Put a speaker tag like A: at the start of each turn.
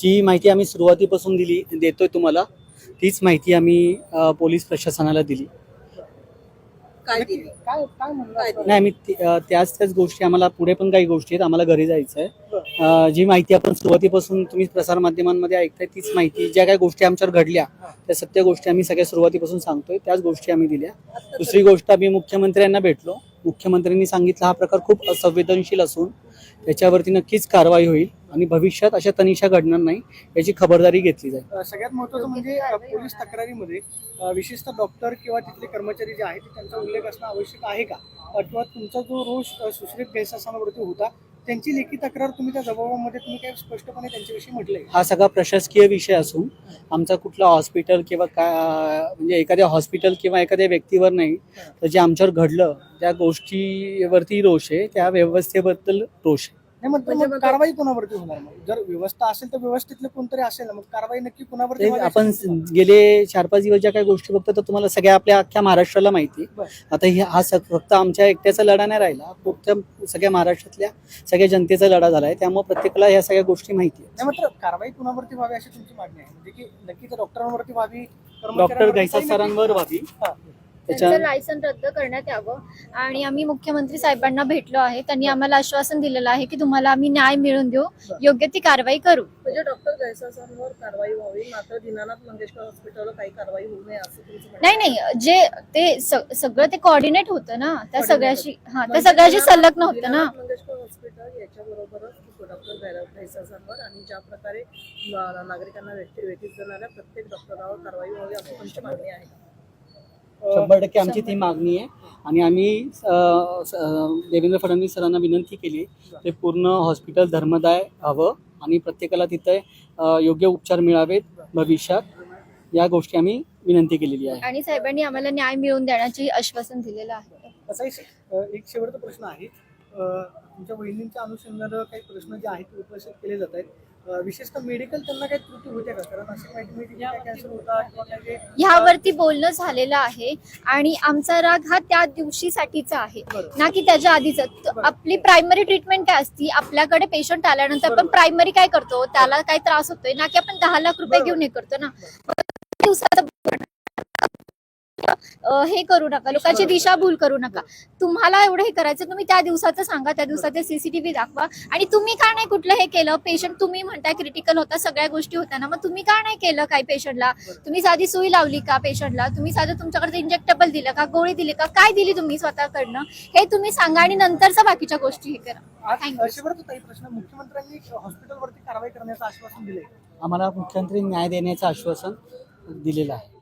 A: जी माहिती आम्ही सुरुवातीपासून देतोय तुम्हाला, तीच माहिती आम्ही पोलीस प्रशासनाला दिली.
B: काय दिली? काय काय म्हणलं?
A: नाही, आम्ही त्याच गोष्टी, आम्हाला पुढे पण काही गोष्टी आहेत, आम्हाला घरी जायचं आहे. जी माहिती आपण सुरुवातीपासून तुम्ही प्रसारमाध्यमांमध्ये ऐकताय, तीच माहिती, ज्या काही गोष्टी आमच्यावर घडल्या त्या सत्य गोष्टी आम्ही सगळ्या सुरुवातीपासून सांगतोय, त्याच गोष्टी आम्ही दिल्या. दुसरी गोष्ट, आम्ही मुख्यमंत्र्यांना भेटलो. मुख्यमंत्र्यांनी सांगितलं हा प्रकार खूप असंवेदनशील असून त्याच्यावरती नक्कीच कारवाई होईल आणि भविष्यात अशा तनिषा घडणार नाही याची खबरदारी घेतली जाईल.
B: सगळ्यात महत्त्वाचं म्हणजे पोलीस तक्रारीमध्ये विशेषतः डॉक्टर किंवा तिथले कर्मचारी जे आहेत त्यांचा उल्लेख असणं आवश्यक आहे का? अथवा तुमचा जो रोष सुश्रीत गैरसमजावरती होता त्यांची लेखी तक्रार तुम्ही त्या जबाबामध्ये तुम्ही काय स्पष्टपणे त्यांच्याविषयी म्हटलंय?
A: हा सगळा प्रशासकीय विषय असून आमचा कुठला हॉस्पिटल किंवा म्हणजे एखाद्या हॉस्पिटल किंवा एखाद्या व्यक्तीवर नाही, तर जे आमच्यावर घडलं त्या गोष्टीवरती रोष आहे, त्या व्यवस्थेबद्दल रोष आहे.
B: नाही मग कारवाई कोणावरती होणार? मग जर व्यवस्था असेल तर व्यवस्थेतले कोणतरी असेल ना, मग कारवाई नक्की कोणावरती व्हावी?
A: आपण गेले 4-5 दिवस ज्या काही गोष्टी बघतो तर तुम्हाला सगळ्या आपल्या अख्ख्या महाराष्ट्राला माहिती. आता हा फक्त आमच्या एकट्याचा लढा नाही राहिला, फक्त सगळ्या महाराष्ट्रातल्या सगळ्या जनतेचा लढा झालाय, त्यामुळे प्रत्येकाला ह्या सगळ्या गोष्टी माहिती आहेत.
B: मात्र कारवाई कोणावरती व्हावी अशी तुमची मागणी आहे, म्हणजे की नक्की तर डॉक्टरांवरती व्हावी,
A: डॉक्टर गैसा सरांवर व्हावी,
C: त्यांचं लायसन रद्द करण्यात यावं. आणि आम्ही मुख्यमंत्री साहेबांना भेटलो आहे, त्यांनी आम्हाला आश्वासन दिलेलं आहे की तुम्हाला आम्ही न्याय मिळवून देऊ, योग्य ती कारवाई करू.
D: म्हणजे डॉक्टर गैसासांवर कारवाई व्हावी, मात्र दीनानाथ मंगेशकर हॉस्पिटलवर काही कारवाई होऊ नये असं तुमचं म्हणणं आहे?
C: नाही, जे ते सगळं ते कोऑर्डिनेट होतं ना, त्या सगळ्याशी त्या सगळ्याशी संलग्न होतं ना.
D: दीनानाथ मंगेशकर हॉस्पिटल याच्याबरोबरच डॉक्टर गैसासांवर आणि ज्या प्रकारे नागरिकांना वेठीस जाणाऱ्या प्रत्येक डॉक्टरांवर कारवाई व्हावी असं तुमची मागणी आहे?
A: 100% आमची ती मागणी आहे. आणि आम्ही देवेंद्र फडणवीस सरांना विनंती केली ते पूर्ण हॉस्पिटल धर्मदाय हवं आणि प्रत्येकाला तिथे योग्य उपचार मिळावेत भविष्यात, या गोष्टी आम्ही विनंती केलेली आहे.
C: आणि साहेबांनी आम्हाला न्याय मिळवून देण्याचे आश्वासन दिलेलं आहे.
B: असा एक शेवटचा प्रश्न आहे, तुमच्या वहिनींच्या अनुषंगानं काही प्रश्न जे आहेत उपस्थित केले जात आहेत, विशेषतः मेडिकल त्यांना काही त्रुटी होते का? कारण अशी माहिती मिळते की कॅन्सर होता किंवा काही
C: ह्यावरती बोलणं झालेलं आहे आणि आमचा राग हा त्या दिवशीसाठीचा आहे ना की त्याच्या आधीचा. आपली प्रायमरी ट्रीटमेंट काय असती, आपल्याकडे पेशंट आल्यानंतर आपण प्रायमरी काय करतो, त्याला काय त्रास होतोय ना की आपण 10 लाख रुपये घेऊन हे करतो ना. दिवसाचं हे करू नका, लोकांची दिशाभूल करू नका. तुम्हाला एवढं हे करायचं, तुम्ही त्या दिवसाचं सांगा, त्या दिवसाचे सीसीटीव्ही दाखवा. आणि तुम्ही का नाही कुठलं हे केलं? पेशंट तुम्ही म्हणताय क्रिटिकल होता, सगळ्या गोष्टी होत्या ना, मग तुम्ही का नाही केलं काही पेशंटला? तुम्ही साधी सुई लावली का पेशंटला? तुम्ही साधं तुमच्याकडे इंजेक्टेबल दिलं का, गोळी दिली का, काय दिली तुम्ही स्वतःकडनं, हे तुम्ही सांगा आणि नंतरच्या बाकीच्या गोष्टी हे करा.
B: शेवटचा प्रश्न, मुख्यमंत्र्यांनी हॉस्पिटलवरती कारवाई करण्याचं आश्वासन दिले?
A: आम्हाला मुख्यमंत्री न्याय देण्याचं आश्वासन दिलेलं आहे.